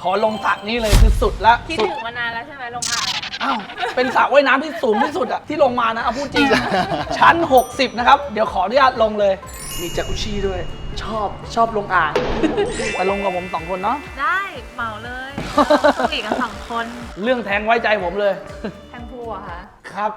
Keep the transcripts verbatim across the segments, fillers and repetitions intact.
ขอลงสระนี้เลยคือสุดละคิดถึงมานานแล้วใช่ไหมลงอ่างอ้าวเป็นสระว่ายน้ำที่สูงที่สุดอะที่ลงมานะเอาพูดจริง ชั้นหกสิบนะครับเดี๋ยวขออนุญาตลงเลยมีจักรุชี่ด้วยชอบชอบลงอ่างไปลงกับผมสองคนเนาะได้เหมาเลยหลีกกันสองคนเรื่องแทงไว้ใจผมเลยแทงพูอะคะครับ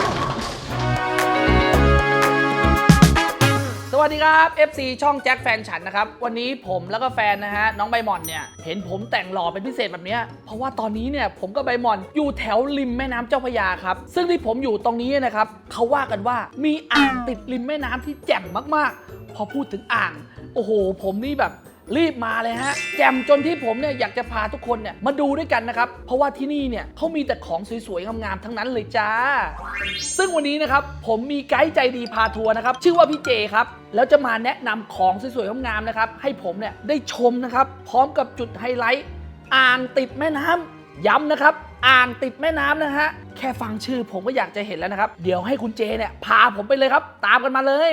สวัสดีครับ เอฟ ซี ช่องแจ็คแฟนฉันนะครับวันนี้ผมแล้วก็แฟนนะฮะน้องใบหม่อนเนี่ยเห็นผมแต่งหล่อเป็นพิเศษแบบนี้เพราะว่าตอนนี้เนี่ยผมกับใบหม่อนอยู่แถวริมแม่น้ำเจ้าพระยาครับซึ่งที่ผมอยู่ตรงนี้นะครับเขาว่ากันว่ามีอ่างติดริมแม่น้ำที่แจ่มมากๆพอพูดถึงอ่างโอ้โหผมนี่แบบรีบมาเลยฮะแจ่มจนที่ผมเนี่ยอยากจะพาทุกคนเนี่ยมาดูด้วยกันนะครับเพราะว่าที่นี่เนี่ยเขามีแต่ของสวยๆงามๆทั้งนั้นเลยจ้าซึ่งวันนี้นะครับผมมีไกด์ใจดีพาทัวร์นะครับชื่อว่าพี่เจครับแล้วจะมาแนะนำของสวยๆงามๆนะครับให้ผมเนี่ยได้ชมนะครับพร้อมกับจุดไฮไลท์อ่างติดแม่น้ำย้ำนะครับอ่างติดแม่น้ำนะฮะแค่ฟังชื่อผมก็อยากจะเห็นแล้วนะครับเดี๋ยวให้คุณเจเนี่ยพาผมไปเลยครับตามกันมาเลย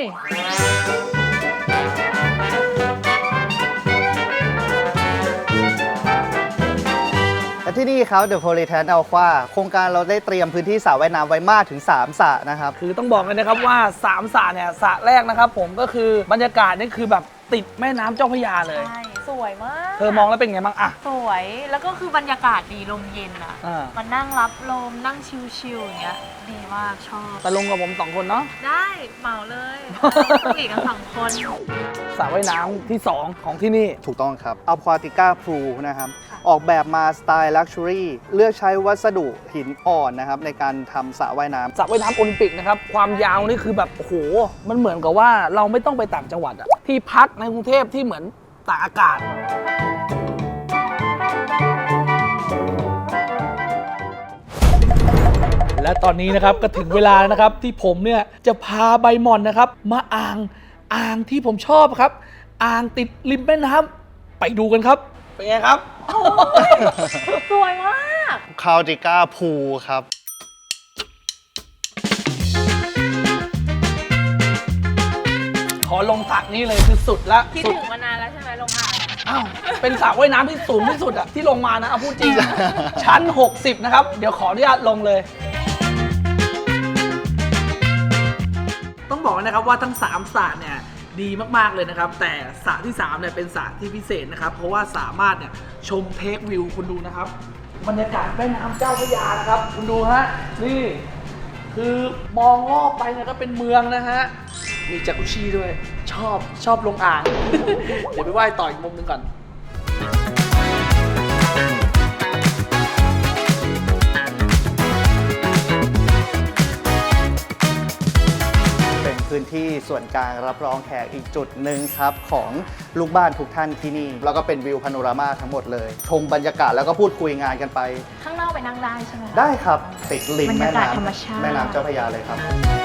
และที่นี่ครับ The Polytan Aqua โครงการเราได้เตรียมพื้นที่สระว่ายน้ำไว้มากถึงสามสระนะครับคือต้องบอกเลยนะครับว่าสามสระเนี่ยสระแรกนะครับผมก็คือบรรยากาศนี่คือแบบติดแม่น้ำเจ้าพระยาเลยใช่สวยมากเธอมองแล้วเป็นไงบ้างอะสวยแล้วก็คือบรรยากาศดีลมเย็นอะมันนั่งรับลมนั่งชิลๆอย่างเงี้ยดีมากชอบไปลงกับผมสองคนเนาะได้เหมาเลยหลีกกันสองคนสระว่ายน้ำที่สองของที่นี่ถูกต้องครับ Aquatica Pool นะครับออกแบบมาสไตล์ลักชัวรี่เลือกใช้วัสดุหินอ่อนนะครับในการทำสระว่ายน้ำสระว่ายน้ำโอลิมปิกนะครับความยาวนี่คือแบบโอ้โหมันเหมือนกับว่าเราไม่ต้องไปต่างจังหวัดอะที่พักในกรุงเทพที่เหมือนตากอากาศและตอนนี้นะครับก็ถึงเวลาแล้วนะครับที่ผมเนี่ยจะพาใบหม่อนนะครับมาอ่างอ่างที่ผมชอบครับอ่างติดริมแม่น้ำไปดูกันครับเป็นไงครับสวยมาก Aquatica Pool ครับขอลงสระนี้เลยคือสุดละคิดถึงมานานแล้วใช่ไหมลงอ่างอ้าวเป็นสระว่ายน้ำที่สูงที่สุดอะที่ลงมานะเอาพูดจริง ชั้นหกสิบนะครับเดี๋ยวขออนุญาตลงเลยต้องบอกนะครับว่าทั้งสามสระเนี่ยดีมากๆเลยนะครับแต่สระที่สามเนี่ยเป็นสระที่พิเศษนะครับเพราะว่าสามารถเนี่ยชมเทควิวคุณดูนะครับบรรยากาศแม่น้ำเจ้าพระยานะครับคุณดูฮะนี่คือมองรอบไปเนี่ยก็เป็นเมืองนะฮะมีจักรุชี่ด้วยชอบชอบลงอ่าง เดี๋ยวไปไหว้ต่ออีกมุมนึงก่อนพื้นที่ส่วนกลางรับรองแขกอีกจุดหนึ่งครับของลูกบ้านทุกท่านที่นี่แล้วก็เป็นวิวพาโนรามาทั้งหมดเลยชมบรรยากาศแล้วก็พูดคุยงานกันไปข้างนอกไปนั่งได้ใช่ไหมได้ครับติดริมแม่น้ำแม่น้ำเจ้าพระยาเลยครับ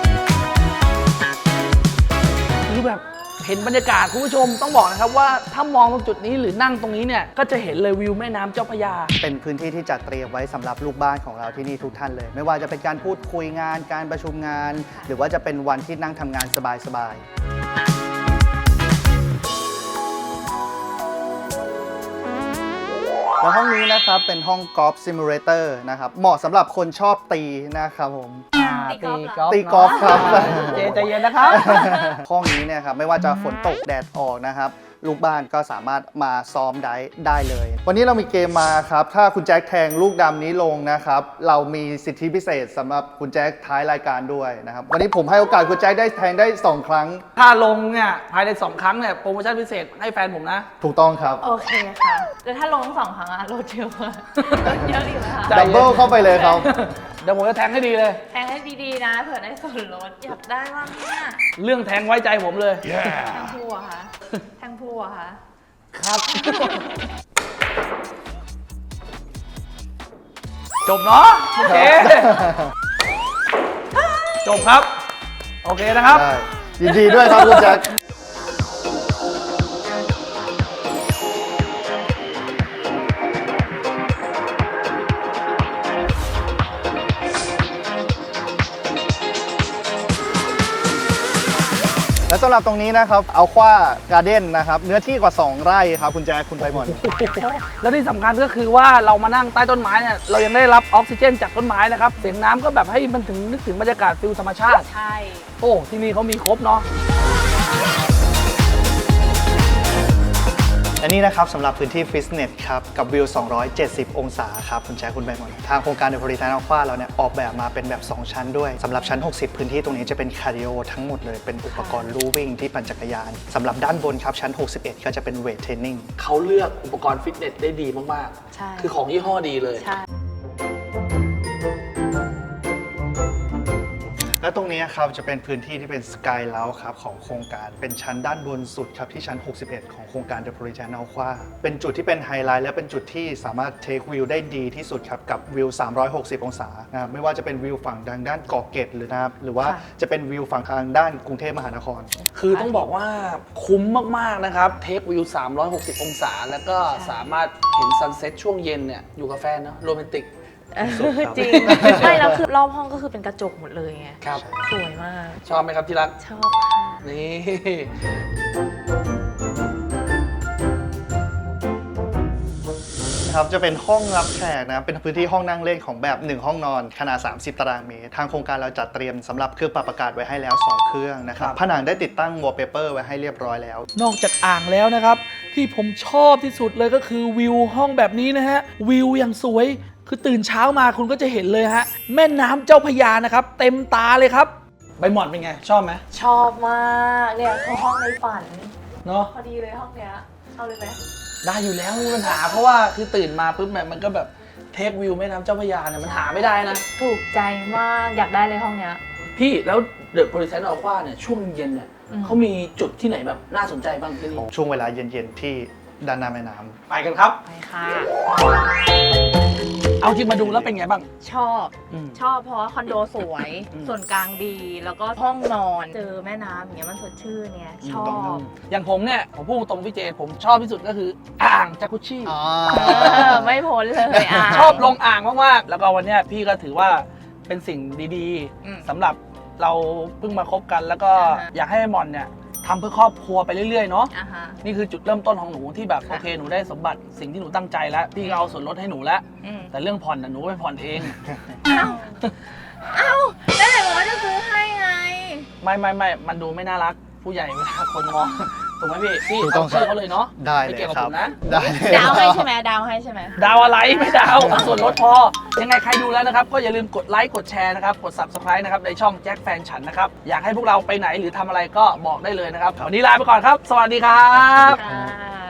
คือแบบเห็นบรรยากาศคุณผู้ชมต้องบอกนะครับว่าถ้ามองตรงจุดนี้หรือนั่งตรงนี้เนี่ยก็จะเห็นเลยวิวแม่น้ำเจ้าพระยาเป็นพื้นที่ที่จัดเตรียมไว้สำหรับลูกบ้านของเราที่นี่ทุกท่านเลยไม่ว่าจะเป็นการพูดคุยงานการประชุมงานหรือว่าจะเป็นวันที่นั่งทำงานสบายๆแล้วห้องนี้นะครับเป็นห้องกอล์ฟซิมูเลเตอร์นะครับเหมาะสำหรับคนชอบตีนะครับผมตีกอล์ฟตีกอล์ฟครับเจใจเย็นนะครับห้องนี้เนี่ยครับไม่ว่าจะฝนตกแดดออกนะครับลูกบ้านก็สามารถมาซ้อมได้ได้เลยวันนี้เรามีเกมมาครับถ้าคุณแจ็คแทงลูกดำนี้ลงนะครับเรามีสิทธิพิเศษสำหรับคุณแจ็คท้ายรายการด้วยนะครับวันนี้ผมให้โอกาสคุณแจ็คได้แทงได้สองครั้งถ้าลงเนี่ยภายในสองครั้งเนี่ยโปรโมชั่นพิเศษให้แฟนผมนะถูกต้องครับโอเคค่ะแต่ถ้าลงสองครั้งอะลดเยอะลดเยอะอยู่นะคะดับเบิลเข้าไปเลยครับเดี๋ยวผมจะแทงให้ดีเลยแทงให้ดีๆนะเผื่อได้ส่วนลดอยากได้บ้างเนี่ยเรื่องแทงไว้ใจผมเลยแทงพูอะค่ะแทงพูอะค่ะครับจบเนาะโอเคจบครับโอเคนะครับยินดีด้วยครับคุณแจ็คและสำหรับตรงนี้นะครับเอาคว้าการ์เด้นนะครับเนื้อที่กว่าสองไร่ครับคุณแจ๊คคุณใบหมอนแล้วที่สำคัญก็คือว่าเรามานั่งใต้ต้นไม้เนี่ยเรายังได้รับออกซิเจนจากต้นไม้นะครับเสียงน้ำก็แบบให้มันถึงนึกถึงบรรยากาศฟิลธรรมชาติใช่โอ้ที่นี่เขามีครบเนาะอันนี้นะครับสำหรับพื้นที่ฟิตเนสครับกับวิว สองร้อยเจ็ดสิบ องศาครับคุณแจ๊คคุณใบหมอนทางโครงการเดอะโพลิแทนอัลฟาเราเนี่ยออกแบบมาเป็นแบบ สอง ชั้นด้วยสำหรับชั้น หกสิบ พื้นที่ตรงนี้จะเป็นคาร์ดิโอทั้งหมดเลยเป็นอุปกรณ์ลู่วิ่งที่ปั่นจักรยานสำหรับด้านบนครับชั้น หกสิบเอ็ด ก็จะเป็นเวทเทรนนิ่งเขาเลือกอุปกรณ์ฟิตเนสได้ดีมากใช่ๆ คือของยี่ห้อดีเลยใช่และตรงนี้ครับจะเป็นพื้นที่ที่เป็นสกายเลาครับของโครงการเป็นชั้นด้านบนสุดครับที่ชั้น หกสิบเอ็ด ของโครงการ The Polynesian Alpha เป็นจุดที่เป็นไฮไลท์และเป็นจุดที่สามารถเทควิวได้ดีที่สุดครับกับวิว สามร้อยหกสิบ องศานะครับไม่ว่าจะเป็นวิวฝั่งทางด้านเกาะเกร็ดหรือนะครับหรือว่าค่ะจะเป็นวิวฝั่งทางด้านกรุงเทพมหานครคือต้องบอกว่าคุ้มมากๆนะครับเทควิวสามร้อยหกสิบ องศา แล้วก็สามารถเห็นซันเซ็ตช่วงเย็นเนี่ยอยู่กับแฟนเนาะโรแมนติกเออสุดครับจริง ไม่แล้วคือรอบห้องก็คือเป็นกระจกหมดเลยไงครับสวยมากชอบไหมครับที่รักชอบค่ะนี่ครับจะเป็นห้องรับแขกนะครับเป็นพื้นที่ห้องนั่งเล่นของแบบหนึ่งห้องนอนขนาดสามสิบตารางเมตรทางโครงการเราจัดเตรียมสำหรับเครื่องปรับอากาศไว้ให้แล้วสองเครื่องนะครับผนังได้ติดตั้งวอลเปเปอร์ไว้ให้เรียบร้อยแล้วนอกจากอ่างแล้วนะครับ ที่ผมชอบที่สุดเลยก็คือวิวห้องแบบนี้นะฮะวิวอย่างสวยคือตื่นเช้ามาคุณก็จะเห็นเลยฮะแม่น้ำเจ้าพระยานะครับเต็มตาเลยครับใบหมอนเป็นไงชอบไหมชอบมากเนี่ยคือห้องในฝันเนาะพอดีเลยห้องเนี้ยเอาเลยไหมได้อยู่แล้วไม่มีปัญหาเพราะว่าคือตื่นมาปุ๊บแบบมันก็แบบเทควิวแม่น้ำเจ้าพระยาเนี่ยมันหาไม่ได้นะถูกใจมากอยากได้เลยห้องเนี้ยพี่แล้วเดอะโพลิแทนอัลฟาเนี่ยช่วงเย็นเนี่ยอืมเขามีจุดที่ไหนแบบน่าสนใจบ้างที่นี่ช่วงเวลาเย็นๆที่ด้านหน้าแม่น้ำไปกันครับไปค่ะเอาจริงมาดูแล้วเป็นไงบ้างชอบอืมชอบเพราะว่าคอนโดสวยอืมส่วนกลางดี แล้วก็ห้องนอนเจอแม่น้ำอย่างเงี้ยมันสดชื่นเนี่ยชอบอย่างผมเนี่ยผมพูดตรงพี่เจผมชอบที่สุดก็คืออ่างจากุชิอ๋อเออไม่พ้นเลยอ่ะชอบลงอ่างมากๆ แล้วก็วันเนี้ยพี่ก็ถือว่าเป็นสิ่งดีอืมๆสำหรับเราเพิ่งมาคบกัน แล้วก็อ่าฮะอยากให้หมอนเนี่ยทำเพื่อครอบครัวไปเรื่อยๆเนาะอ่ะฮะนี่คือจุดเริ่มต้นของหนูที่แบบค่ะโอเคหนูได้สมบัติสิ่งที่หนูตั้งใจแล้วพี่ก็เอาส่วนลดให้หนูแล้วอืมแต่เรื่องผ่อนน่ะหนูไปผ่อนเองเอ้าเอ้าแล้วไหนบอกว่าจะซื้อให้ไงไม่ไม่ไม่มันดูไม่น่ารักผู้ใหญ่เวลาคนมองถูกไหมพี่พี่ถูกต้องเอาชื่อเขาเลยเนาะได้เลไม่ยเกี่ยวกับครัผบมนะได้เลยดาวให้ใช่ไหมดาวให้ใช่ไหมดาวอะไรไม่ดาวเอาส่วนลดพอ ยังไงใครดูแล้วนะครับ ก็อย่าลืมกดไลค์กดแชร์นะครับ กด Subscribe นะครับในช่องแจ็คแฟนฉันนะครับ อยากให้พวกเราไปไหนหรือทำอะไรก็บอกได้เลยนะครับวันนี้ลาไปก่อนครับ สวัสดีครับค่ะ